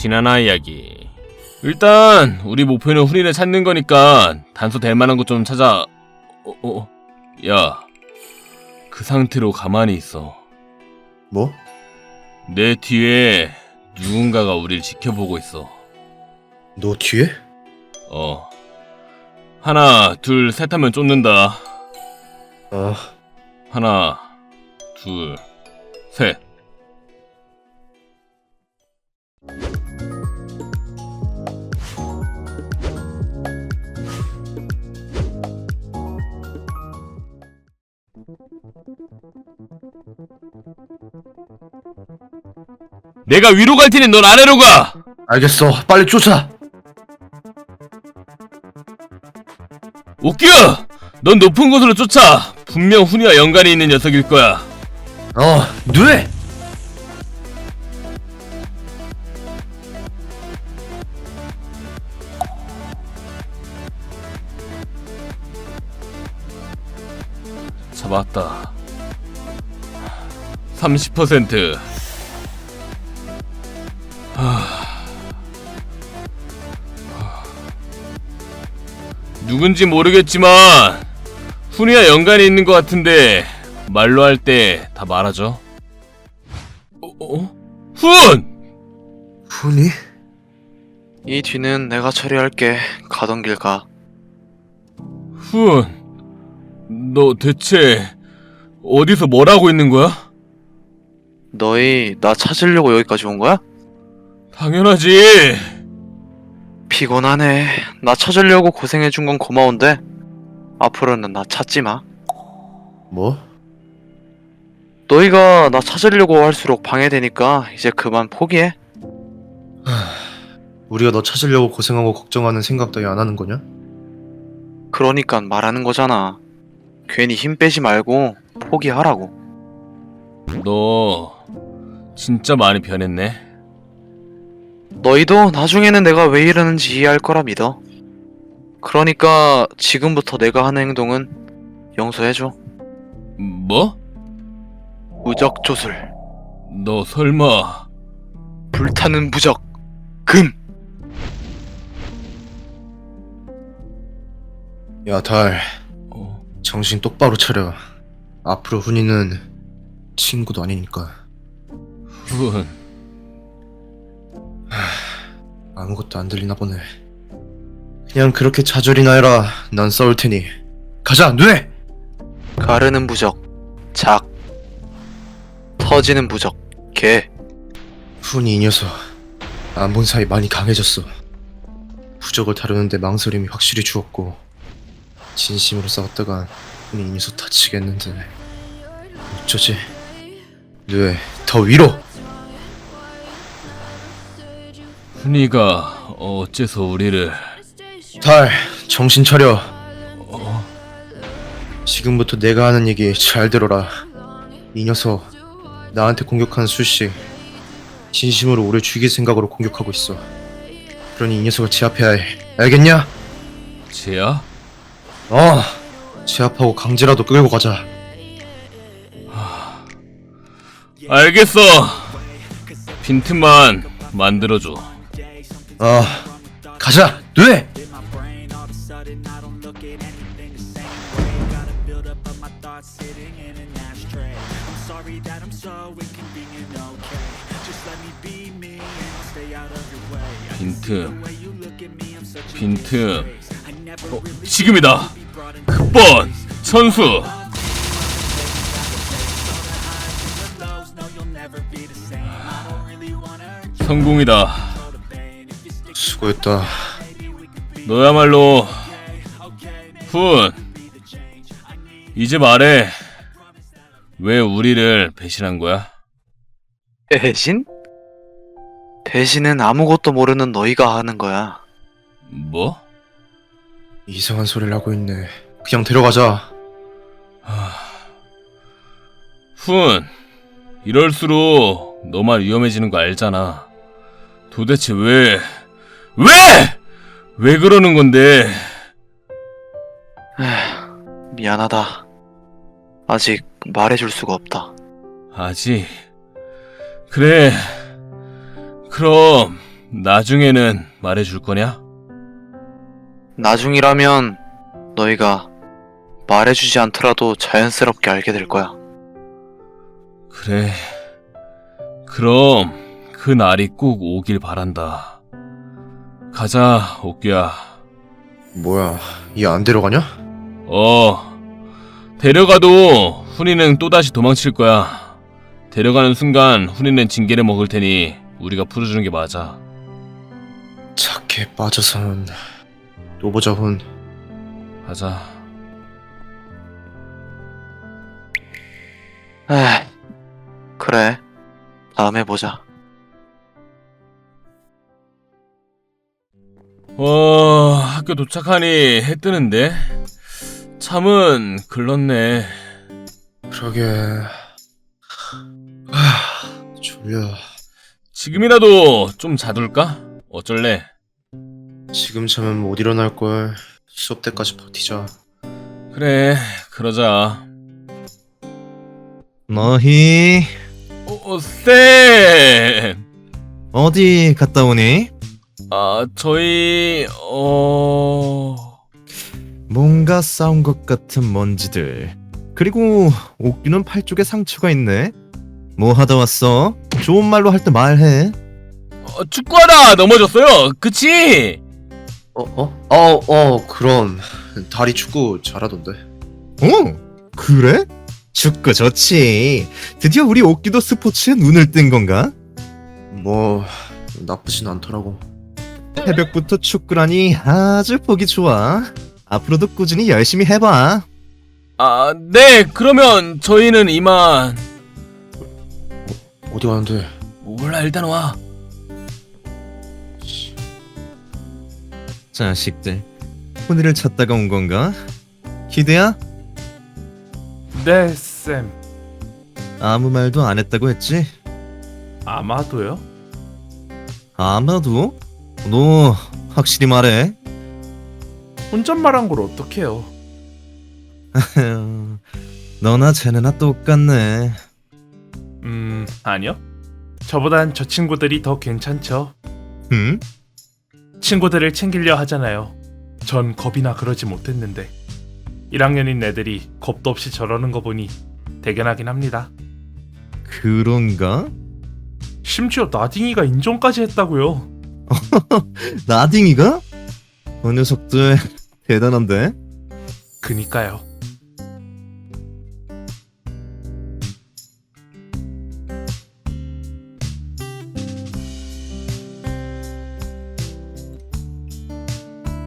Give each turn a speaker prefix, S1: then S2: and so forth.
S1: 지나나 이야기. 일단 우리 목표는 훈이를 찾는 거니까 단서 될 만한 거 좀 찾아. 야, 그 상태로 가만히 있어.
S2: 뭐?
S1: 내 뒤에 누군가가 우릴 지켜보고 있어.
S2: 너 뒤에?
S1: 하나, 둘, 셋 하면 쫓는다.
S2: 아,
S1: 하나, 둘, 셋. 내가 위로 갈 테니 넌 아래로 가!
S2: 알겠어. 빨리 쫓아.
S1: 옥규! 넌 높은 곳으로 쫓아! 분명 훈이와 연관이 있는 녀석일 거야.
S2: 뇌!
S1: 잡았다. 30%. 누군지 모르겠지만 훈이와 연관이 있는 것 같은데 말로 할 때 다 말하죠. 훈!
S2: 훈이?
S3: 이 뒤는 내가 처리할게. 가던 길 가.
S1: 훈, 너 대체 어디서 뭘 하고 있는 거야?
S3: 너희 나 찾으려고 여기까지 온 거야?
S1: 당연하지.
S3: 피곤하네. 나 찾으려고 고생해준 건 고마운데 앞으로는 나 찾지 마.
S2: 뭐?
S3: 너희가 나 찾으려고 할수록 방해되니까 이제 그만 포기해.
S2: 우리가 너 찾으려고 고생하고 걱정하는 생각 따위 안 하는 거냐?
S3: 그러니까 말하는 거잖아. 괜히 힘 빼지 말고 포기하라고.
S1: 너 진짜 많이 변했네.
S3: 너희도 나중에는 내가 왜 이러는지 이해할 거라 믿어. 그러니까 지금부터 내가 하는 행동은 용서해줘.
S1: 뭐?
S3: 무적 조술,
S1: 너 설마
S3: 불타는 무적, 금.
S2: 야, 달.
S1: 어,
S2: 정신 똑바로 차려. 앞으로 훈이는 친구도 아니니까.
S1: 훈,
S2: 아무것도 안 들리나 보네. 그냥 그렇게 자졸이나 해라. 난 싸울 테니. 가자, 뇌!
S3: 가르는 부적, 작. 터지는 부적, 개.
S2: 훈이 이 녀석 안 본 사이 많이 강해졌어. 부적을 다루는데 망설임이 확실히 죽었고 진심으로 싸웠다간 훈이 이 녀석 다치겠는데 어쩌지? 뇌, 더 위로!
S1: 훈이가 어째서 우리를...
S2: 달, 정신 차려. 지금부터 내가 하는 얘기 잘 들어라. 이 녀석 나한테 공격하는 수씨 진심으로 우릴 죽일 생각으로 공격하고 있어. 그러니 이 녀석을 제압해야 해. 알겠냐?
S1: 쟤야?
S2: 제압하고 강제라도 끌고 가자.
S1: 알겠어. 빈틈만 만들어줘.
S2: 가자, 뇌!
S1: 빈틈. 지금이다. 극번 선수. 성공이다.
S2: 수고했다.
S1: 너야말로 훈. 이제 말해. 왜 우리를 배신한 거야?
S3: 배신? 배신은 아무것도 모르는 너희가 하는 거야.
S1: 뭐?
S2: 이상한 소리를 하고 있네. 그냥 데려가자.
S1: 훈, 이럴수록 너만 위험해지는 거 알잖아. 도대체 왜 그러는 건데?
S3: 미안하다. 아직 말해줄 수가 없다.
S1: 아직? 그래. 그럼 나중에는 말해줄 거냐?
S3: 나중이라면 너희가 말해주지 않더라도 자연스럽게 알게 될 거야.
S1: 그래. 그럼 그 날이 꼭 오길 바란다. 가자, 옥규야.
S2: 뭐야, 얘 안 데려가냐?
S1: 데려가도 훈이는 또다시 도망칠 거야. 데려가는 순간 훈이는 징계를 먹을 테니 우리가 풀어주는 게 맞아.
S2: 착해 빠져선 또 보자 훈.
S1: 가자.
S3: 에이, 그래. 다음에 보자.
S1: 학교 도착하니 해 뜨는데? 참은 글렀네.
S2: 그러게. 졸려.
S1: 지금이라도 좀 자둘까? 어쩔래?
S2: 지금 자면 못 일어날걸. 수업 때까지 버티자.
S1: 그래, 그러자.
S4: 너희
S1: 쌤!
S4: 어디 갔다 오니?
S1: 저희,
S4: 뭔가 싸운 것 같은 먼지들. 그리고 옥규는 팔 쪽에 상처가 있네. 뭐 하다 왔어? 좋은 말로 할 때 말해.
S1: 축구하다 넘어졌어요! 그치?
S2: 그럼. 다리 축구 잘하던데.
S4: 그래? 축구 좋지. 드디어 우리 옥규도 스포츠에 눈을 뜬 건가?
S2: 뭐 나쁘진 않더라고.
S4: 새벽부터 축구라니 아주 보기 좋아. 앞으로도 꾸준히 열심히 해봐.
S1: 네, 그러면 저희는 이만.
S2: 어디 가는데?
S1: 몰라, 일단 와.
S4: 자식들, 훈이를 찾다가 온 건가? 희대야?
S5: 네, 쌤.
S4: 아무 말도 안 했다고 했지?
S5: 아마도요?
S4: 아마도? 너 확실히 말해.
S5: 혼잣말한 걸 어떡해요?
S4: 너나 쟤네나 똑같네.
S5: 아니요. 저보단 저 친구들이 더 괜찮죠.
S4: 응?
S5: 친구들을 챙기려 하잖아요. 전 겁이나 그러지 못했는데 1학년인 애들이 겁도 없이 저러는 거 보니 대견하긴 합니다.
S4: 그런가?
S5: 심지어 나딩이가 인정까지 했다고요.
S4: 나딩이가? 그 녀석들 대단한데?
S5: 그니까요.